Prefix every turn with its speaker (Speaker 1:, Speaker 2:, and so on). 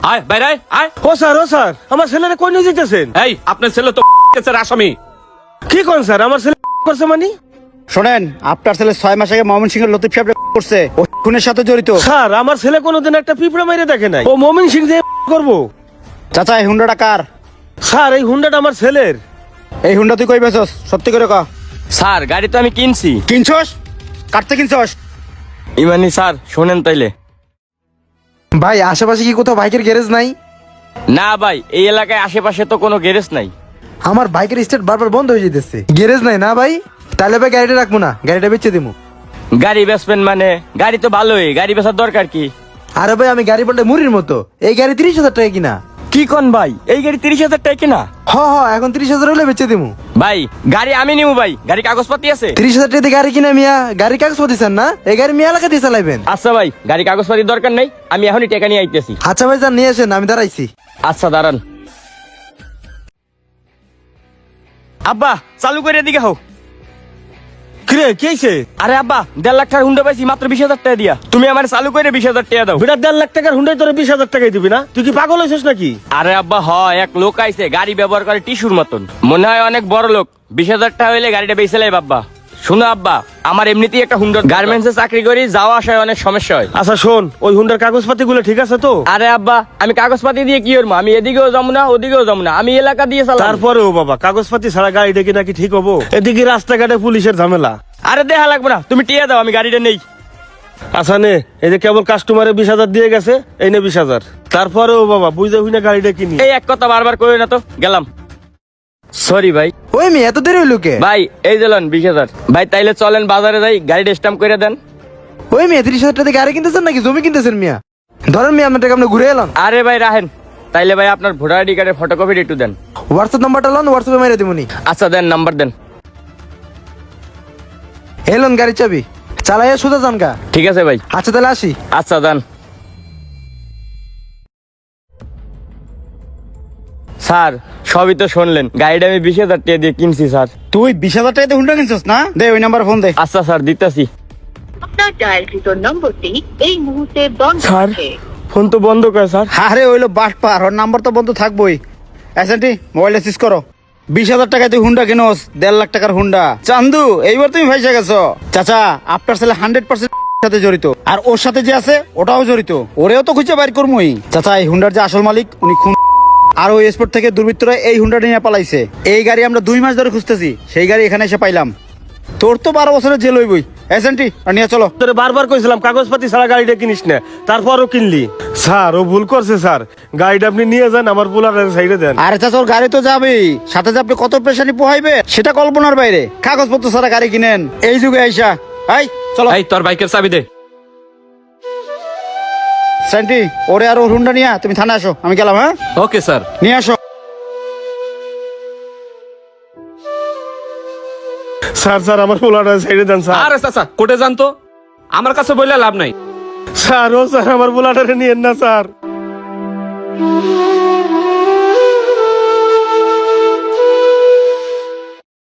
Speaker 1: আয় বাইরে আয়, আয়।
Speaker 2: ও স্যার আমার ছেলেরা কই নিয়ে যেতেছেন?
Speaker 1: এই আপনার ছেলে তো কেসের আসামি।
Speaker 2: কি করেন স্যার? আমার ছেলে করছে মানে?
Speaker 3: শোনেন, আপনার ছেলে 6 মাস আগে ময়মনসিংহের লতিফ সাহেব করছে, ও খুনের সাথে জড়িত।
Speaker 2: স্যার আমার ছেলে কোনোদিন একটা পিঁপড়া মেরে দেখে নাই। ও মমিন সিং যে করবো।
Speaker 3: চাচা, এই হুন্ডাটা কার?
Speaker 2: স্যার এই হুন্ডাটা আমার ছেলের।
Speaker 3: এই হুন্ডা তুই কই বেচছস? সত্যি করে ক।
Speaker 1: স্যার গাড়ি তো আমি কিনছি।
Speaker 3: কিনছস? কাটতে কিনছস?
Speaker 1: ইমানি স্যার শোনেন তাইলে।
Speaker 4: ভাই আশেপাশে কি কোথাও বাইকের গ্যারেজ নাই?
Speaker 1: না ভাই, এই এলাকায় আশেপাশে তো কোনো গ্যারেজ নাই।
Speaker 4: আমার বাইকের স্টার্ট বারবার বন্ধ হয়ে যেতেছে। গ্যারেজ নাই না ভাই? তাহলে ভাই গাড়িটা রাখবো না, গাড়িটা বেচে দিবো।
Speaker 1: গাড়ি বেচবেন মানে? গাড়ি তো ভালোই, গাড়ি বেচার দরকার কি?
Speaker 4: আরে ভাই আমি গাড়ি বলতে মুড়ির মতো, এই গাড়ি 30,000 টাকা কিনা।
Speaker 1: কি কোন ভাই, এই গাড়ি 30,000 টাকা কিনা?
Speaker 4: হ এখন 30,000 হলে বেচে দিবো।
Speaker 1: ভাই গাড়ি আমি নিবো ভাই, গাড়ি কাগজপাতি আছে?
Speaker 4: 30,000 টাকা দিয়ে গাড়ি কিনা মিয়া, গাড়ি কাগজ পাতিছেন না? এই গাড়ি মিয়া এলাকা দিয়ে চালাইবেন।
Speaker 1: আচ্ছা ভাই, গাড়ি কাগজপাতির দরকার নেই, আমি এখনই টাকা নিয়ে আইতেছি।
Speaker 4: আচ্ছা ভাই যান নিয়ে আসেন, আমি দাঁড়াইছি।
Speaker 1: আচ্ছা দাঁড়ান। আব্বা চালু করে এদিকে হও।
Speaker 2: কিরে কি হইছে?
Speaker 1: আরে আব্বা 1.5 লাখ টাকার হুন্ডা পাইছি মাত্র 20,000 টাকা দিয়া। তুমি আমার চালু করে 20,000 টাকা দাও।
Speaker 2: বিরাট 1.5 লাখ টাকার হুন্ডাই তোরে 20,000 টাকাই দিবি না? তুই কি পাগল হয়েছিস নাকি?
Speaker 1: আরে আব্বা এক লোক আইছে গাড়ি ব্যবহার করে টিস্যুর মতন, মনে হয় অনেক বড় লোক। 20,000 টাকা হইলে গাড়িটা বেচে লাই বাব্বা। শুনো আব্বা, আমার এমনিতেই একটা হুন্ডা গার্মেন্টসে চাকরি করি, যাওয়া আসায় অনেক সমস্যা হয়।
Speaker 2: আচ্ছা শোন, ওই হুন্ডার কাগজপাতি গুলো ঠিক আছে তো?
Speaker 1: আরে আব্বা আমি কাগজপাতি দিয়ে কি করবো? আমি এদিকেও যাবো না ওদিকেও যাবো না, আমি এলাকা দিয়ে চালাবো।
Speaker 2: তারপরেও বাবা কাগজপাতি ছাড়া গাড়িটা কি নাকি ঠিক হবো? এদিকে রাস্তাঘাটে পুলিশের ঝামেলা।
Speaker 1: আরে দেখা লাগবে না, তুমি টিয়া দাও, আমি গাড়িটা নেই।
Speaker 2: আচ্ছা নে, এই যে কেবল কাস্টমারে 20,000 দিয়ে গেছে, এই নে 20,000। তারপরেও বাবা বুঝে হুইনা গাড়িটা কিনি।
Speaker 1: এই এক কথা বারবার করি না তো, গেলাম। সরি ভাই।
Speaker 4: ওই মেয়ে এত দেরি হইলো কে?
Speaker 1: ভাই এই দিলেন 20,000। ভাই তাইলে চলেন বাজারে যাই, গাড়িটা স্ট্যাম্প করে দেন।
Speaker 4: ওই মেয়ে 30,000 টাকা দিয়ে গাড়ি কিনতেছেন নাকি জমি কিনতেছেন মিয়া? ধরেন মিয়া আপনার টাকা আপনি ঘুরে এলাম।
Speaker 1: আরে ভাই রাহেন, তাইলে ভাই আপনার ভোটার আইডি কার্ডের ফটোকপি একটু দেন।
Speaker 4: হোয়াটসঅ্যাপ নাম্বারটা লন, হোয়াটসঅ্যাপে মেরে দিবনি।
Speaker 1: আচ্ছা দেন, নাম্বার দেন।
Speaker 4: এলন গাড়ি চাবি, চালাইয়া সোজা যান গা।
Speaker 1: ঠিক আছে ভাই।
Speaker 4: আচ্ছা তাহলে আসি।
Speaker 1: আচ্ছা দেন। স্যার সবই তো শুনলেন, গাড়িটা আমি 20,000 টাকা দিয়ে কিনছি স্যার।
Speaker 3: তুই 20,000 টাকা দিয়ে হুন্ডা কিনছস না? দে ওই নাম্বার ফোন দে।
Speaker 1: আচ্ছা স্যার দিতেছি।
Speaker 5: আপনার ডায়ালকৃত নম্বরটি এই মুহূর্তে বন্ধ
Speaker 2: স্যার
Speaker 5: আছে।
Speaker 2: ফোন তো বন্ধ করে স্যার।
Speaker 3: আরে হইলো বাটপার, ওর নাম্বার তো বন্ধ থাকবোই। এসেন্টি মোবাইল সিজ করো। 20,000 টাকায় তুই হুন্ডা কিনোস, 1.5 লাখ টাকার হুন্ডা। চান্দু এইবার তুমি ফাইসা গেছো। চাচা আপনার ছেলে 100% সাথে জড়িত, আর ওর সাথে যে আছে ওটাও জড়িত। ওরেও তো খুঁজে বাইর করমুই। চাচা এই হুন্ডার যে আসল মালিক উনি খুন, আর ওই স্পট থেকে দুর্বৃত্তরা এই হুন্ডাটা নিয়ে পালাইছে। এই গাড়ি আমরা 2 মাস ধরে খুঁজতেছি, সেই গাড়ি এখানে এসে পাইলাম। তোর তো 12 বছরের জেল হইবই। এসেন্টি আর নিয়ে চলো।
Speaker 2: তোরে বারবার কইছিলাম কাগজপাতি ছাড়া গাড়িটা কিনিস না, তারপরও কিনলি। স্যার ও ভুল করছে স্যার, গাড়িটা আপনি নিয়ে যান, আমার বুলার সাইডে দেন।
Speaker 3: আরে চাচা ওর গাড়ি তো যাবেই, সাথে যে আপনি কত পেশানি পোহাইবে সেটা কল্পনার বাইরে। কাগজপত্র ছাড়া গাড়ি কিনেন এই যুগে আইসা। এই চলো।
Speaker 1: এই তোর বাইকের চাবি দে।
Speaker 3: সেন্টি ওরে আর ওর হুন্ডা নিয়ে তুমি থানায় আসো, আমি গেলাম। হ্যাঁ
Speaker 1: ওকে স্যার।
Speaker 3: নিয়ে আসো।
Speaker 2: স্যার আমার বুলার সাইডে দেন স্যার।
Speaker 1: আরে চাচা কোটে যান তো, আমার কাছে বললে লাভ নাই।
Speaker 2: স্যার আমার বুলাটারে নিয়েন না স্যার।